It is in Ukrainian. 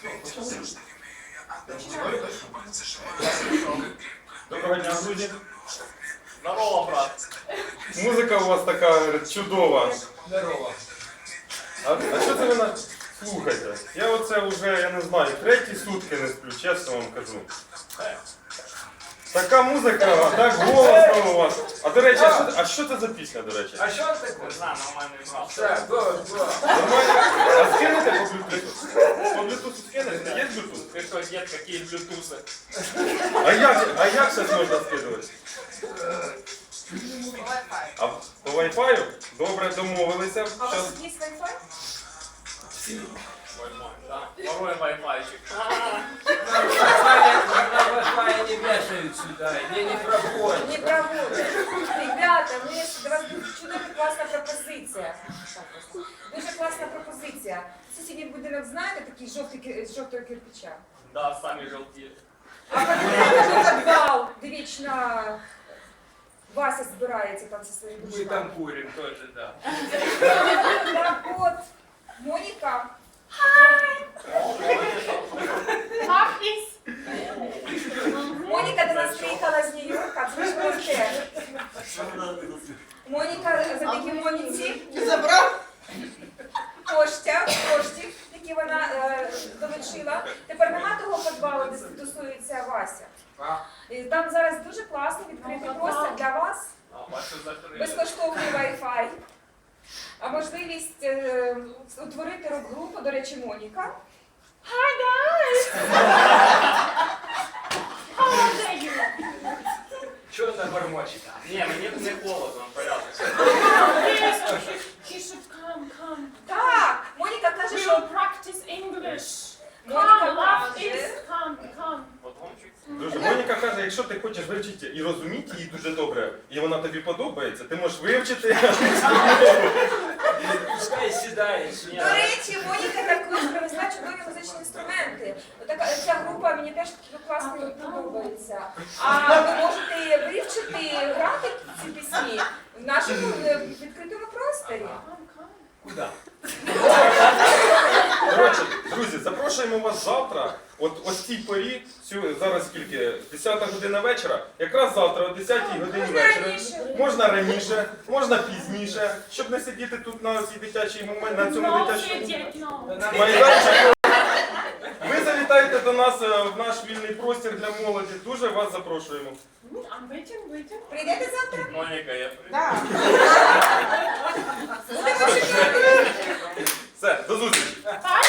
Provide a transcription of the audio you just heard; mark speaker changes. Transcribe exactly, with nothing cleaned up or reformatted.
Speaker 1: Доброго дня, друзі.
Speaker 2: Здорово, брат.
Speaker 1: Музика у вас така чудова.
Speaker 2: Здорово.
Speaker 1: А, а що це ви на... слухаєте? Я оце вже, я не знаю, треті сутки не сплю, чесно вам кажу. Така музика, так голосно у вас. А до речі, а що, а що це за пісня, до речі?
Speaker 2: А що таке?
Speaker 3: Не знаю, нормальний брат.
Speaker 2: Так, добре, добре.
Speaker 1: Нормально? А скинете по блютусу? По блютусу скинете? Є блютуз?
Speaker 3: Ты что, дед, какие блютусы?
Speaker 1: А як, а як зараз можна скидувати? А по вайфаю? Добре, домовилися.
Speaker 4: А у вас
Speaker 1: Щас...
Speaker 4: тут есть Wi-Fi?
Speaker 3: Ой-мой, да. Второй вайфайчик.
Speaker 2: На Wi-Fi не вешают сюда, не, не проходят.
Speaker 4: Не проводят. Ребята, у меня до вас буде чудова класна пропозиція. Дуже класна пропозиція. Сусідній будинок, знаєте, такий жовтий, ки- з жовтого кирпича?
Speaker 3: Да, сами желтые.
Speaker 4: А подивіться підвал, де вічно Вася збирається там зі своїм
Speaker 2: Мы
Speaker 4: дружками.
Speaker 2: там курим тоже, да.
Speaker 4: Так от, Моніка. Моніка до нас приїхала з Нью-Йорка, це ж просте. Моніка завдяки Моніці
Speaker 5: Забрав?
Speaker 4: Коштя, коштів, які вона е, долучила. Тепер нема того підвалу, де тусується Вася. І там зараз дуже класно відкритий простір для вас,
Speaker 3: А, ваши закрыли.
Speaker 4: безкоштовний Wi-Fi, а можливість е, утворити рок-групу, до речі, Моніка. Hi guys!
Speaker 2: Что она бормочет?
Speaker 3: Не, мне не холодно, порядок.
Speaker 5: He should come, come.
Speaker 4: Так, Моніка каже,
Speaker 5: We
Speaker 4: що
Speaker 5: will practice English.
Speaker 4: Моніка
Speaker 5: Come, love
Speaker 4: каже,
Speaker 5: is come, come.
Speaker 3: Потом чуть.
Speaker 1: Дуже. Моніка каже, якщо ти хочеш вивчити і розуміти її дуже добре, і вона тобі подобається, ти можеш вивчити.
Speaker 2: Пускай седает
Speaker 4: до
Speaker 2: сюда.
Speaker 4: речі, Моніка також привезла чудові музичні інструменти. Отака, ця група мені теж класно подобається. А ви можете вивчити, грати ці пісні в нашому е, відкритому просторі.
Speaker 5: Come, come.
Speaker 2: Куда?
Speaker 1: Коротше, друзі, запрошуємо вас завтра, от ось цій порі, цю, зараз скільки, десята година вечора, якраз завтра о десятій годині
Speaker 4: Можна
Speaker 1: вечора.
Speaker 4: раніше.
Speaker 1: Можна раніше, можна пізніше, щоб не сидіти тут на цій дитячій момент, на цьому
Speaker 5: No,
Speaker 1: дитячому
Speaker 5: idiot, no.
Speaker 2: Да нам-
Speaker 1: майданчику. Ви завітаєте до нас е, в наш вільний простір для молоді. Дуже вас запрошуємо.
Speaker 5: I'm waiting, waiting.
Speaker 4: Прийдете завтра?
Speaker 3: Моника, я приду.
Speaker 4: Так. Будемо чекати.
Speaker 1: Все, до зустрічі.
Speaker 5: Bye.